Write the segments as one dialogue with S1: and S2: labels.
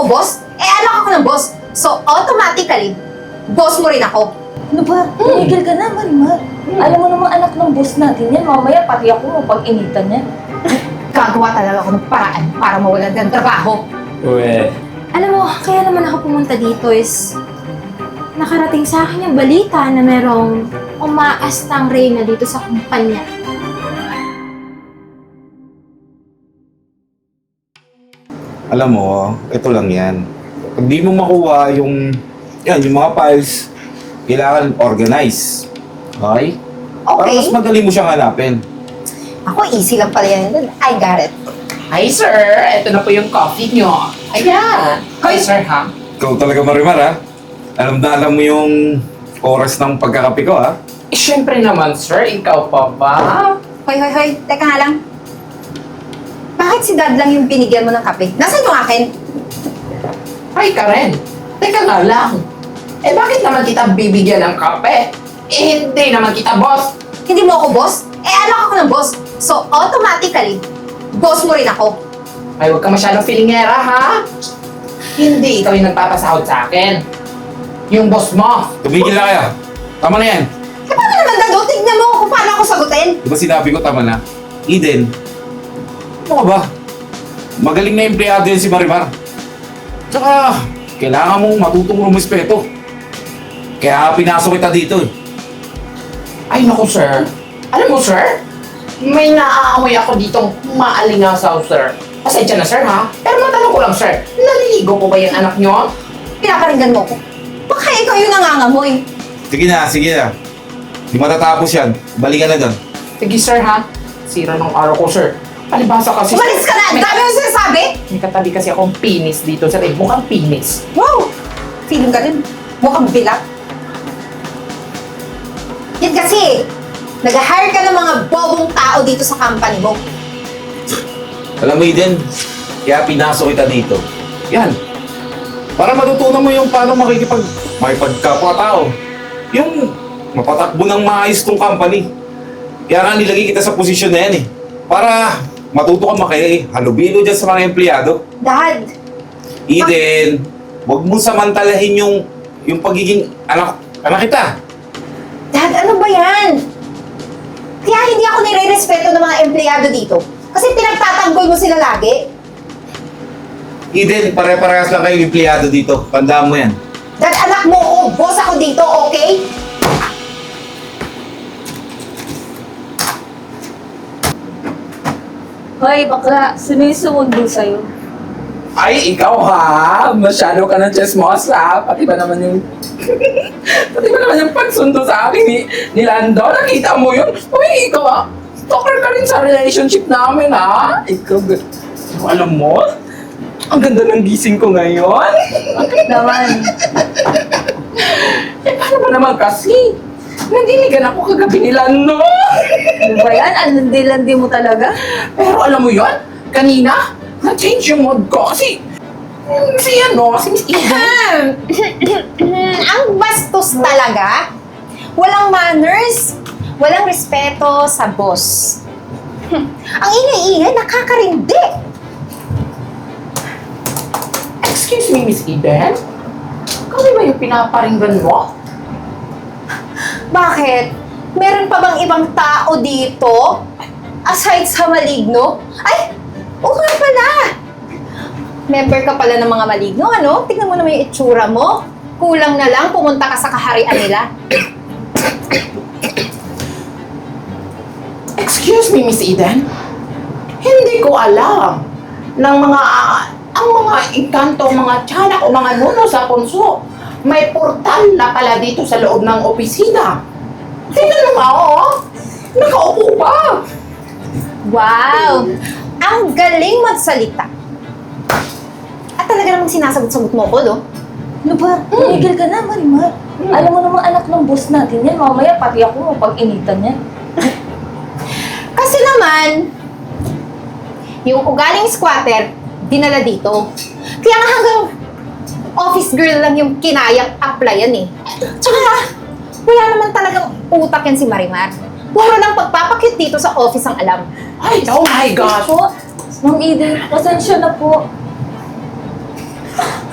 S1: ako boss? Anak ako ng boss. So, automatically, boss mo rin ako.
S2: Ano ba? Tumigil ka na, Marimar. Alam mo namang anak ng boss natin yan. Mamaya pati ako mapag-initan yan.
S1: Gagawa talaga ako ng paraan para mawalan ng trabaho.
S3: Uwe.
S4: Alam mo, kaya naman ako pumunta dito is nakarating sa akin yung balita na merong umaastang reyna dito sa kumpanya.
S5: Alam mo, ito lang yan. Pag di mo makuha yung mga files, kailangan organize. Okay? Para
S1: Okay.
S5: mas madali mo siyang hanapin.
S1: Ako, easy lang pala yan. I got it.
S3: Hi, sir. Ito na po yung coffee nyo. Ayan. Hi, sir, ha?
S5: Ikaw talaga, Marimar, ha? Alam na alam mo yung oras ng pagkakape ko, ha?
S3: Eh, syempre naman, sir. Ikaw pa ba?
S1: Hoy. Teka nga lang. Bakit si Dad lang yung binigyan mo ng kape? Nasaan yung akin?
S3: Hi, Karen. Teka nga lang. Eh, bakit naman kita bibigyan ng kape? Eh, hindi naman kita, boss.
S1: Hindi mo ako boss? Anak ako ng boss. So, automatically, boss mo rin ako.
S3: Ay, huwag ka masyadong feelingera, ha? Hindi ikaw yung nagpapasahod sa akin. Yung boss mo.
S5: Tumigil na kaya. Tama na yan.
S1: Eh, paano naman, Dad? Tignan mo kung paano ako sagutin.
S5: Di ba sinabi ko, tama na? Eden, ano ka ba? Magaling na empleyado yan si Marimar. Tsaka, kailangan mong matutong rumispeto. Kaya pinasok kita dito, eh.
S3: Ay, naku, sir. Alam mo, sir, may naaamoy ako ditong maalingasaw, sir. Pasensya na, sir, ha? Pero matanong ko lang, sir, naliligo po ba yung anak nyo?
S1: Pinaparinggan mo ko. Baka ikaw yung nangangamoy.
S5: Sige na. Di matatapos yan. Balikan na doon.
S3: Sige, sir, ha? Sira ng araw ko, sir. Palibasa kasi,
S1: Umalis ka na! Ang dami mo sinasabi!
S3: May katabi kasi akong pinis dito, sir. Eh, mukhang pinis.
S1: Wow! Feeling ka rin. Mukhang bilak. Yan kasi, nag-hire ka ng mga bobong tao dito sa company mo.
S5: Alam mo, Eden, kaya pinasok kita dito. Yan. Para matutunan mo yung paano makipagkapwa-tao. Yung mapatakbo ng maayos tong company. Kaya nga nilagay kita sa posisyon na yan, eh. Para matuto ka halubilo dyan sa mga empleyado.
S1: Dad,
S5: Eden, huwag mo samantalahin yung pagiging anak kita.
S1: Dad, ano ba yan? Kaya hindi ako nire-respeto ng mga empleyado dito. Kasi pinagtatanggol mo sila lagi.
S5: Eden, pare-parehas lang kayong empleyado dito. Tandaan mo yan.
S1: Dad, anak mo ko, boss ako dito, okay?
S2: Hoy, bakla, sino yung sumundo sa'yo?
S3: Ay, ikaw, ha? Masyado ka ng chismosa. Pati ba naman yung... Pati ba naman yung pagsundo sa akin ni Lando? Nakita mo yun? Uy, ikaw, ha? Stalker ka rin sa relationship namin, ha? Ikaw, alam mo? Ang ganda ng gising ko ngayon.
S2: Naman.
S3: Eh, paano ba naman kasi? Nandinigan ako kagabi ni Lando.
S2: Ano ba yan? Alandi-landi mo talaga?
S3: Pero alam mo yun? Kanina, na-change yung mood ko kasi... si Miss Eden.
S1: Ang bastos talaga. Walang manners. Walang respeto sa boss. Ang ingay-ingay, nakakarindi.
S3: Excuse me, Miss Eden? Kami ba yung pinaparinggan mo?
S1: Bakit? Meron pa bang ibang tao dito? Aside sa maligno? Ay! Oo nga pala! Member ka pala ng mga maligno, ano? Tingnan mo naman yung itsura mo. Kulang na lang, pumunta ka sa kaharian nila.
S3: Excuse me, Miss Eden? Hindi ko alam ng ang mga engkanto, mga tiyanak o mga nuno sa punso. May portal na pala dito sa loob ng opisina. Tingnan mo nga, oh! Nakaupo pa!
S1: Wow! Ang galing magsalita. At talaga namang sinasagot-sagot mo ko, no?
S2: Ano ba? Tumigil ka na, Marimar. Alam mo namang anak ng boss natin yan. Mamaya pati ako mapag-initan yan.
S1: Kasi naman, yung ugaling squatter, dinala dito. Kaya nga hanggang office girl lang yung kinayang applyan eh. Tsaka, wala naman talagang utak yan si Marimar. Puro lang pagpapakit dito sa office ang alam.
S3: Ay, oh my gosh!
S2: Po, Ma'am Eden, pasensya na po.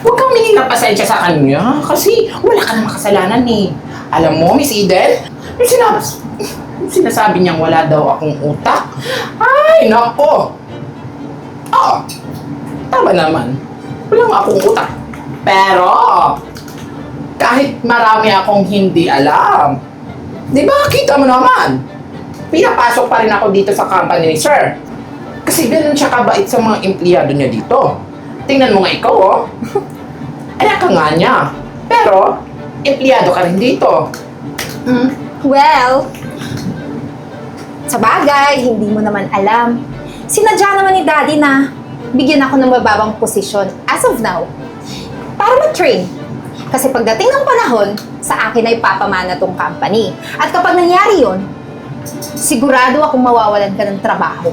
S3: huwag kang humingi ng pasensya sa kanya kasi wala ka namang kasalanan eh. Alam mo, Miss Eden, yung sinasabi niyang wala daw akong utak. Ay, nako. Oo, tama naman. Wala nga akong utak. Pero, kahit marami akong hindi alam, di ba, kita mo naman, pinapasok pa rin ako dito sa company ni Sir. Kasi ganun siya kabait sa mga empleyado niya dito. Tingnan mo nga ikaw, oh. Anak ka nga niya. Pero, empleyado ka rin dito.
S1: Well, sa bagay, hindi mo naman alam. Sinadya naman ni Daddy na bigyan ako ng mababang posisyon as of now para ma-train. Kasi pagdating ng panahon, sa akin ay papamana tong company. At kapag nangyari yon, sigurado akong mawawalan ka ng trabaho.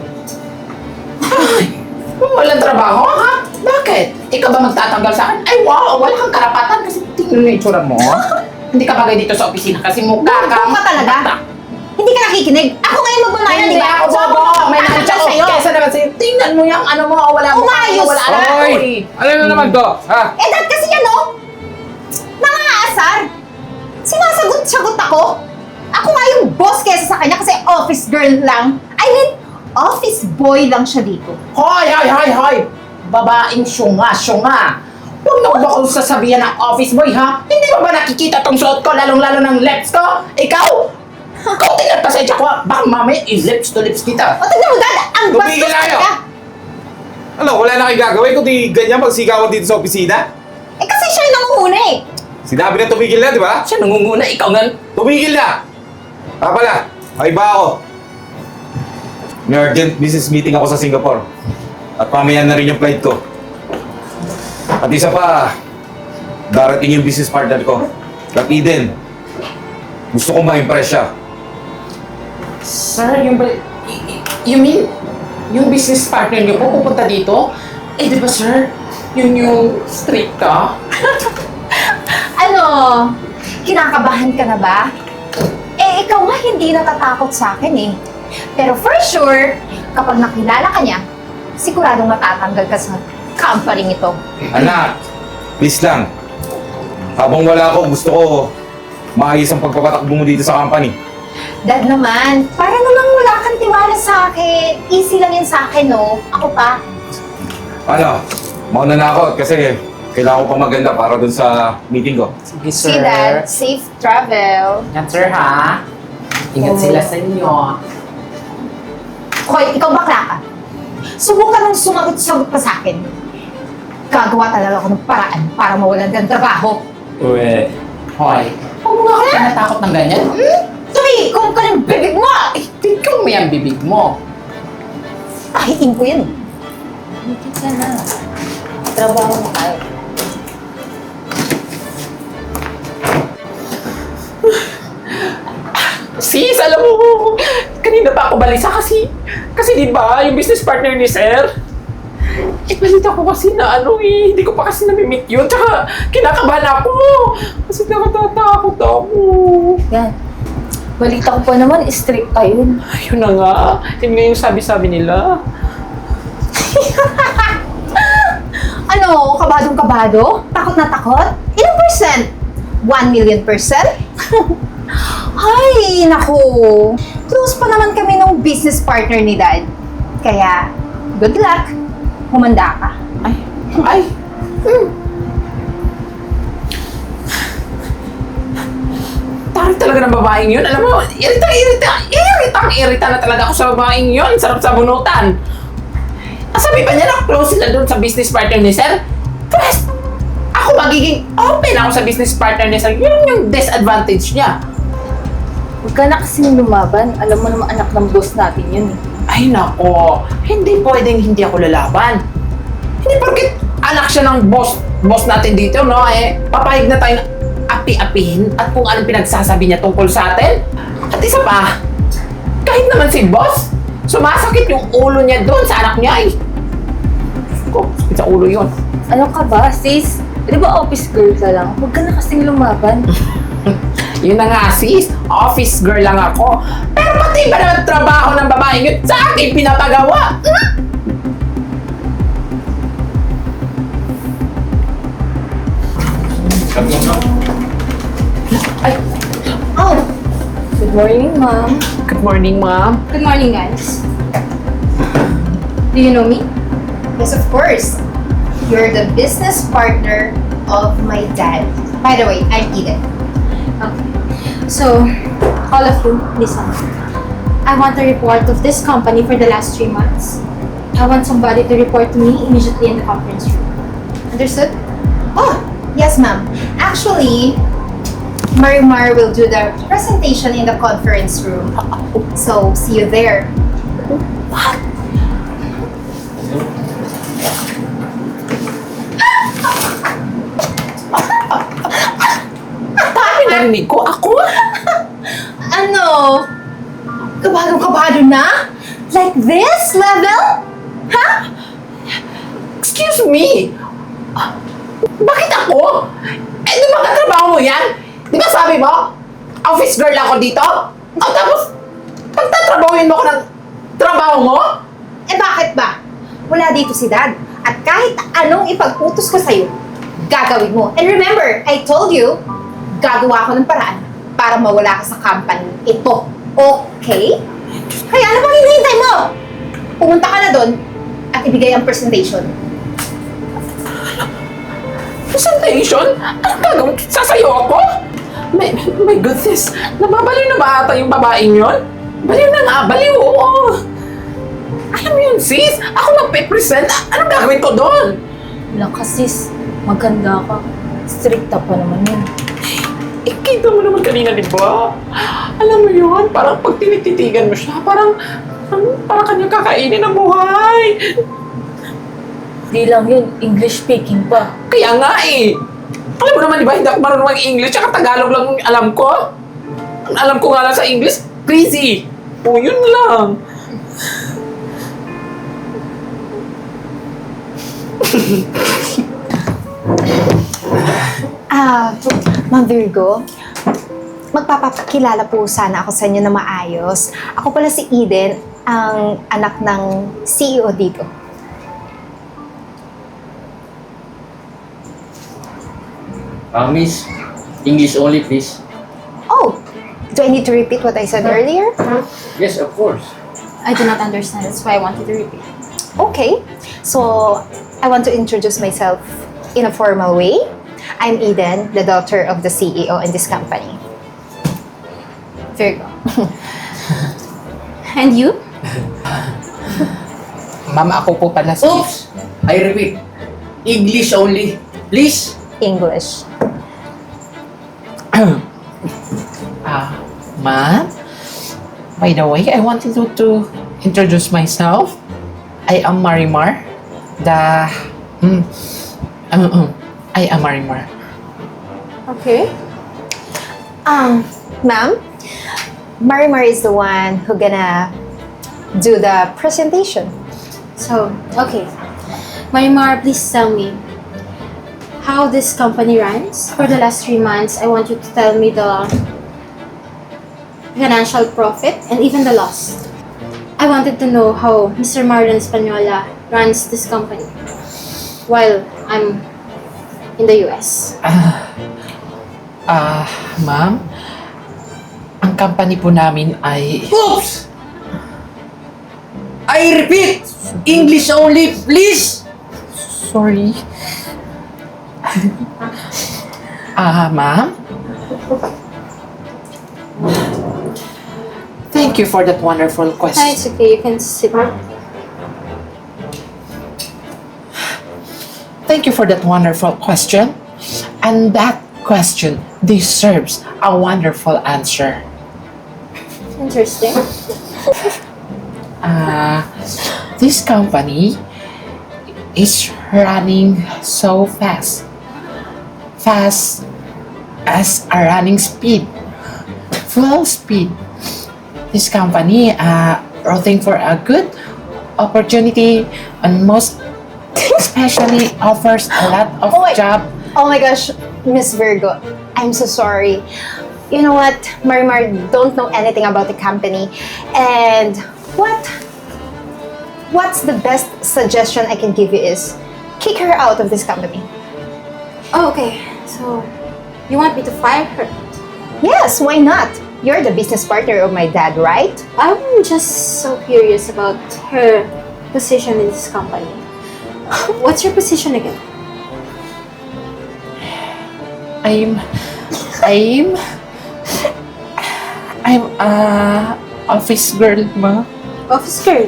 S3: Walang trabaho, ha? Bakit? Ikaw ba magtatanggal sa akin? Ay, wow! Wala kang karapatan kasi tingnan mo yung itsura mo. Hindi ka bagay dito sa opisina kasi mukha
S1: Bobo ka talaga. Hindi ka nakikinig. Ako ngayon magmamayan, di
S3: Hindi
S1: ba?
S3: ako bobo! May
S1: nakakita
S3: nakita ko.
S1: sa'yo.
S3: Kesa naman sa'yo, tingnan mo yung ano mo, wala mo.
S1: Umayos
S3: wala
S1: ka!
S3: Oy!
S5: Ano na naman to? Ha?
S1: Eh, dahil kasi yan, no? Nangaasar. Sinasagot-sagot ako. Ako nga yung boss kesa sa kanya kasi office girl lang. I mean, office boy lang siya dito.
S3: Hoy! Babaeng syunga. Huwag na ba akong sasabihan ng office boy, ha? Hindi mo ba nakikita tong suot ko, lalong-lalo ng lips ko? Ikaw? Kaunti na pasensya ko, ha? Baka mamaya i-lips to lips kita.
S1: O, tignan mo, Dad, ang
S5: Tumigil
S1: bastos
S5: na kayo.
S1: talaga.
S5: Ano, wala na kayo gagawin kundi ganyan magsigawan dito sa opisina?
S1: Eh, kasi siya yung nangunguna eh.
S5: Sinabi na tumigil na, di ba?
S3: Siya nangunguna, ikaw nga.
S5: Tumigil na! Pala, ay ba ako? May urgent business meeting ako sa Singapore. At mamaya na rin yung flight ko. At isa pa, darating yung business partner ko. Kap Eden. Gusto kong ma-impress siya.
S3: Sir, you mean, yung business partner niyo po pupunta dito? Eh, di ba, sir? Yun yung strict ka?
S1: Ano, kinakabahan ka na ba? Eh, ikaw nga hindi natatakot sa akin eh. Pero for sure, kapag nakilala ka niya, siguradong matatanggal ka sa company ito.
S5: Anak, please lang. Habang wala ako, gusto ko maayos ang pagpapatakbo mo dito sa company.
S1: Dad naman, para namang wala kang tiwala sa akin. Easy lang yan sa akin, no? Ako pa.
S5: Ano, mauna na ako kasi kailangan ko pang maganda para dun sa meeting ko.
S3: Sige,
S1: See, Dad, safe travel.
S3: Ingat, sir, ha? Ingat sila sa inyo.
S1: Hoy, ikaw bakla ka. Subukan mong sumagot-sagot pa sa akin. Gagawa talaga ako ng paraan para mawalan ka ng trabaho.
S3: Uwe. Hoy. Huwag mo nga ako tinatakot ng ganyan.
S1: Tumikong ka ng bibig mo!
S3: Eh, tignan mo yung bibig mo.
S1: Pahiin ko yan.
S2: Hindi ka na. Trabaho mo tayo.
S3: Sis, alam mo, kanina pa ako balisa kasi di ba, yung business partner ni Sir, eh, balita ko kasi na ano eh, hindi ko pa kasi nami-meet yun, tsaka kinakabahan ako, kasi nakatatakot ako.
S2: Yan. Balita ko pa naman, strict pa yun.
S3: Ayun na nga, yun nga yung sabi-sabi nila.
S1: Ano, kabadong-kabado? Takot na takot? Ilang percent? 1 million percent? Ay, naku. Close pa naman kami ng business partner ni Dad. Kaya, good luck. Humanda ka.
S3: Ay, tarik talaga ng babaeng yun. Alam mo, irita na talaga ako sa babaeng yun. Sarap sa bunutan. Sabi pa niya na close sila doon sa business partner ni Sir. First, ako magiging open ako sa business partner ni Sir. Yun yung disadvantage niya.
S2: Huwag ka na kasing lumaban. Alam mo naman anak ng boss natin yun eh.
S3: Ay nako, hindi pwedeng hindi ako lalaban. Hindi porket anak siya ng boss natin dito, no? Eh, papayag na tayo na api-apihin at kung anong pinagsasabi niya tungkol sa atin. At isa pa, kahit naman si boss, sumasakit yung ulo niya doon sa anak niya eh. Ko, sakit sa ulo yun.
S2: Ano ka ba, sis? Di ba office girl ka lang? Huwag ka na kasing lumaban.
S3: Yun na nga sis, office girl lang ako. Pero pati ba naman trabaho ng babaeng yun sa akin pinapagawa?
S5: Come on, no?
S1: Oh,
S2: Good morning, ma'am.
S3: Good morning, ma'am.
S4: Good morning, guys. Do you know me?
S1: yes, of course. You're the business partner of my dad. By the way, I'm Eden.
S4: Okay. So, all of you, listen. I want a report of this company for the last 3 months. I want somebody to report to me immediately in the conference room. Understood?
S1: Oh, yes, ma'am. Actually, Marimar will do the presentation in the conference room. So, see you there.
S3: Narinig ko ako.
S1: Ano? Kabado na? Like this level? Ha?
S3: Excuse me. Bakit ako? Eh, di ba katrabaho mo yan? Di ba sabi mo, office girl ako dito? O tapos, pagtatrabahuin mo ko ng trabaho mo?
S1: Eh bakit ba? Wala dito si Dad. At kahit anong ipag-utos ko sa'yo, gagawin mo. And remember, I told you, gagawa ko ng paraan para mawala ka sa company ito. Okay? Kaya ano bang hinihintay mo? Pumunta ka na doon at ibigay ang presentation.
S3: Presentation? Anong gagawin? Sasayo ako? My goodness, nababaliw na ba ata yung babaeng yun? Baliw na nga, baliw, oo. Alam mo yun, sis, ako magpe-present. Anong gagawin ko doon?
S2: Wala ka, sis. Maganda ka. Stricta pa naman yun.
S3: Eh, kita mo naman kanina, di ba? Alam mo yun, parang pag tinititigan mo siya, parang kanya kakainin ang buhay.
S2: Di lang yun, English speaking pa.
S3: Kaya nga eh. Alam mo naman, di ba, hindi ako marunong mag-English, tsaka Tagalog lang ang alam ko. Ang alam ko nga lang sa English, crazy. O, yun lang.
S1: Ma'am Virgo, magpapakilala po sana ako sa inyo na maayos. Ako pala si Eden, ang anak ng CEO dito.
S6: Miss, English only, please.
S1: Oh, do I need to repeat what I said earlier?
S6: Yes, of course.
S4: I do not understand. That's why I wanted to repeat.
S1: Okay, so I want to introduce myself in a formal way. I'm Eden, the daughter of the CEO in this company.
S4: Virgo. And you?
S3: Ma'am, ako po pala si...
S6: Oops! I repeat, English only, please.
S1: English.
S3: Ma'am? By the way, I wanted to introduce myself. I am Marimar. I am Marimar.
S4: Okay.
S1: Ma'am, Marimar is the one who gonna do the presentation.
S4: So, okay. Marimar, please tell me how this company runs. For the last 3 months, I want you to tell me the financial profit and even the loss. I wanted to know how Mr. Marlon Española runs this company while I'm in the US.
S3: Ma'am, ang company po namin ay...
S6: Oops! I repeat, English only, please.
S3: Sorry. Ma'am? Thank you for that wonderful
S4: Ah,
S3: question.
S4: it's okay. You can sit.
S3: Thank you for that wonderful question. And that question deserves a wonderful answer.
S4: Interesting.
S3: This company is running so fast. Fast as a running speed. Full speed. This company rooting for a good opportunity and most especially offers a lot of
S1: Oh, wait.
S3: job.
S1: Oh my gosh, Miss Virgo, I'm so sorry. You know what, Marimar don't know anything about the company. And what's the best suggestion I can give you is kick her out of this company.
S4: Oh, okay. So, You want me to fire her?
S1: Yes, why not? You're the business partner of my dad, right?
S4: I'm just so curious about her position in this company. What's your position again?
S3: I'm a office girl, ma.
S4: Office girl.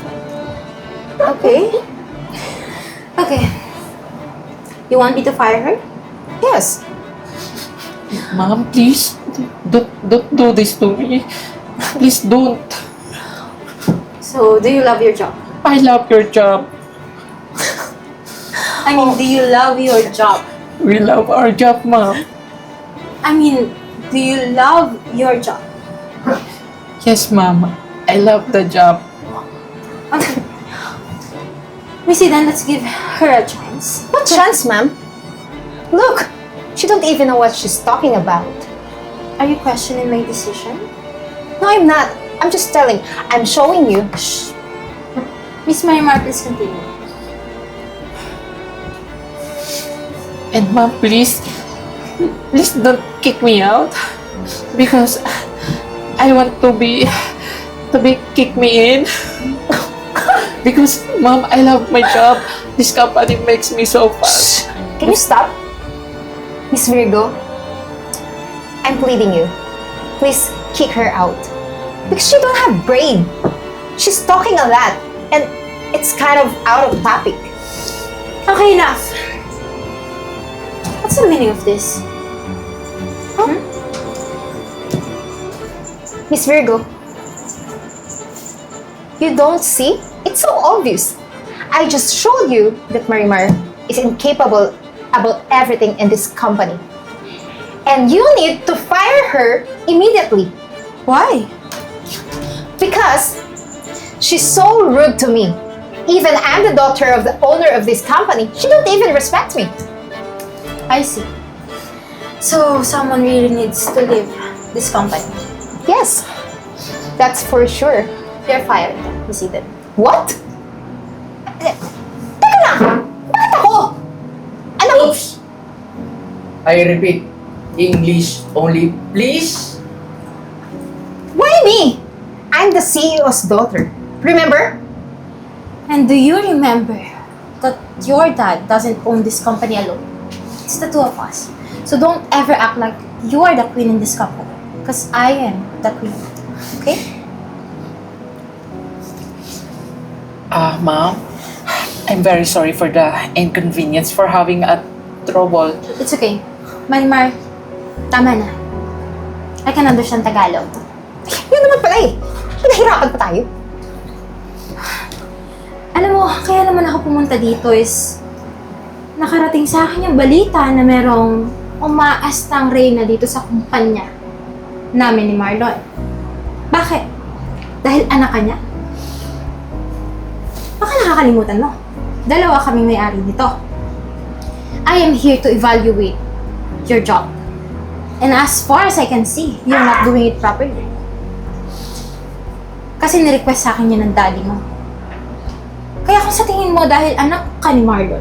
S4: Okay. Okay. You want me to fire her?
S1: Yes.
S3: Ma'am, please, don't do this to me. Please don't.
S4: So, do you love your job?
S3: I love your job.
S4: I mean, do you love your job?
S3: We love our job, ma'am.
S4: I mean, do you love your job?
S3: Yes, ma'am. I love the job.
S4: Okay. Missy, then let's give her a chance.
S1: What chance, ma'am? Look, she don't even know what she's talking about.
S4: Are you questioning my decision?
S1: No, I'm not. I'm just telling. I'm showing you. Shh.
S4: Miss Marimar, please continue.
S3: And ma'am, please don't kick me out because I want to be kick me in. Because ma'am, I love my job. This company makes me so fast.
S1: Can you stop? Miss Virgo, I'm pleading you. Please kick her out. Because she don't have brain. She's talking a lot. And it's kind of out of topic.
S4: Okay, enough. What's the meaning of this?
S1: Miss Virgo, you don't see? It's so obvious. I just showed you that Marimar is incapable about everything in this company. And you need to fire her immediately.
S4: Why?
S1: Because she's so rude to me. Even I'm the daughter of the owner of this company. She don't even respect me.
S4: I see. So, someone really needs to leave this company.
S1: Yes, that's for sure.
S4: You're fired, Miss Eden.
S1: What? Teka lang! Bakit ako? Alam mo,
S6: Oops! I repeat, English only, please.
S1: why me? I'm the CEO's daughter. Remember?
S4: And do you remember that your dad doesn't own this company alone? It's the two of us. So don't ever act like you are the queen in this company. Because I am the queen. Okay?
S3: Ma'am, I'm very sorry for the inconvenience for having a trouble.
S4: It's okay. Marimar, tama na. I can understand Tagalog.
S1: Yun naman pala eh. Pinahirapan pa tayo.
S4: Alam mo, kaya naman ako pumunta dito is nakarating sa akin yung balita na merong umaastang reyna dito sa kumpanya namin ni Marlon. Bakit? Dahil anak ka niya? Baka nakakalimutan mo. Dalawa kaming may-ari nito. I am here to evaluate your job. And as far as I can see, you're not doing it properly. Kasi nirequest sa akin yan ng daddy mo. Kaya kung sa tingin mo dahil anak ka ni Marlon,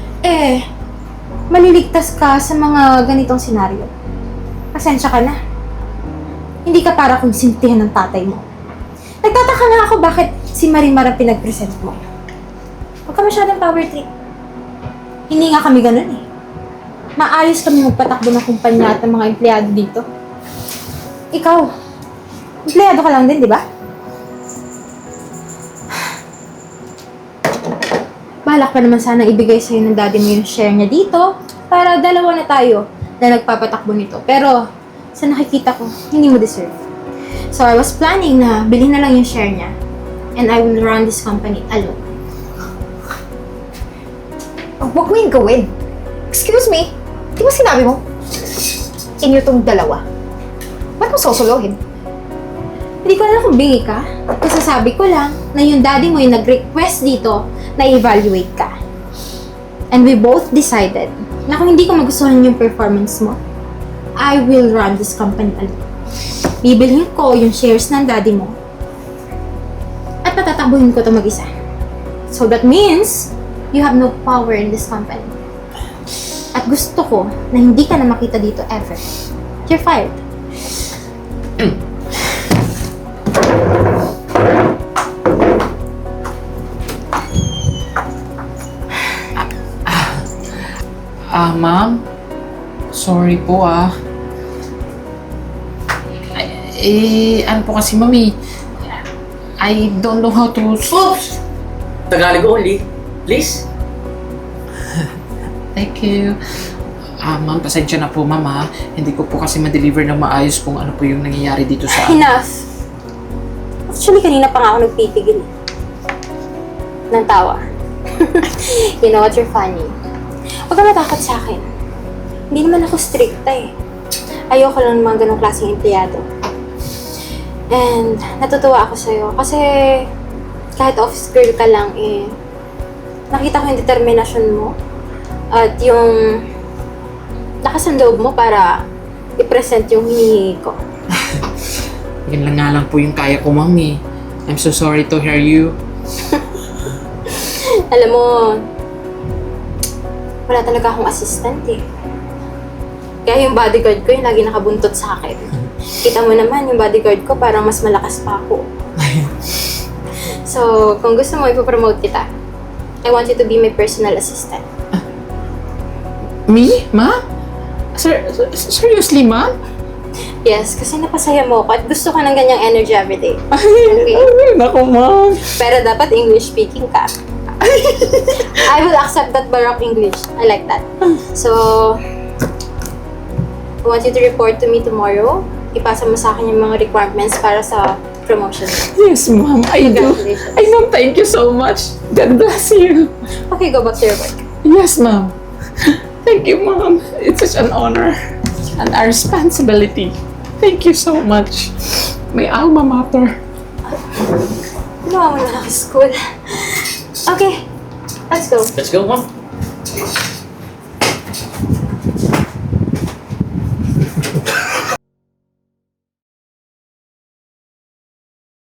S4: maliligtas ka sa mga ganitong senaryo. Pasensya ka na. Hindi ka para kung sintihan ng tatay mo. Nagtataka nga ako bakit si Marimar ang pinag-present mo. Huwag ka masyadong power trip. Hindi nga kami ganun eh. Maayos kami magpatakbo ng kumpanya at ng mga empleyado dito. Ikaw, empleyado ka lang din, di ba? Balak pa naman sana ibigay sa'yo ng daddy mo yung share niya dito para dalawa na tayo na nagpapatakbo nito. Pero, sa nakikita ko, hindi mo deserve. So, I was planning na bilhin na lang yung share niya and I will run this company alone.
S1: Huwag mo yung gawin. Excuse me, di ba sinabi mo? Inyo tong dalawa. Ba't mo susuluhin?
S4: Hindi ko alam kung bingi ka. Kasasabi ko lang na yung daddy mo yung nag-request dito na evaluate ka. And we both decided na kung hindi ko magustuhan yung performance mo, I will run this company alone. Bibilhin ko yung shares ng daddy mo at patatakbuhin ko ito mag-isa. So that means you have no power in this company. At gusto ko na hindi ka na makita dito ever. You're fired.
S3: Ma'am? Sorry po, ano po kasi, mami? I don't know how to...
S6: Oops! Tagalog only. Please?
S3: Thank you. Ma'am, pasensya na po, ma'am, ha? Hindi ko po kasi ma-deliver ng maayos kung ano po yung nangyayari dito sa...
S4: Enough. Actually, kanina pa nga ako nagpipigil. Ng tawa. You know what, you're funny. Huwag ka matakot sa akin. Hindi naman ako stricta eh. Ayoko lang ng mga ganong klaseng empleyado. And natutuwa ako sa'yo kasi kahit office girl ka lang eh, nakita ko yung determinasyon mo at yung lakas ng loob mo para i-present yung hinihingi ko.
S3: Yan lang nga lang po yung kaya ko, mami. I'm so sorry to hear you.
S4: Alam mo, wala talaga akong assistant eh. Kaya yung bodyguard ko yung lagi nakabuntot sa akin. Kita mo naman, yung bodyguard ko parang mas malakas pa ako. So, kung gusto mo, ipopromote kita. I want you to be my personal assistant.
S3: Me? Ma? Seriously, ma?
S4: Yes, kasi napasaya mo ako at gusto ka ng ganyang energy everyday.
S3: Ay, naku, ma.
S4: Pero dapat English speaking ka. I will accept that Baroque English. I like that. So, I want you to report to me tomorrow. Ipasa mo sa akin yung mga requirements para sa promotion.
S3: Yes, ma'am. I do.
S4: Congratulations.
S3: I know. Thank you so much. God bless you.
S4: Okay, go back to your work.
S3: Yes, ma'am. Thank you, ma'am. It's such an honor and a responsibility. Thank you so much. My alma mater.
S4: Ginawa mo na ako sa school. Okay, let's go.
S6: Let's go, ma'am.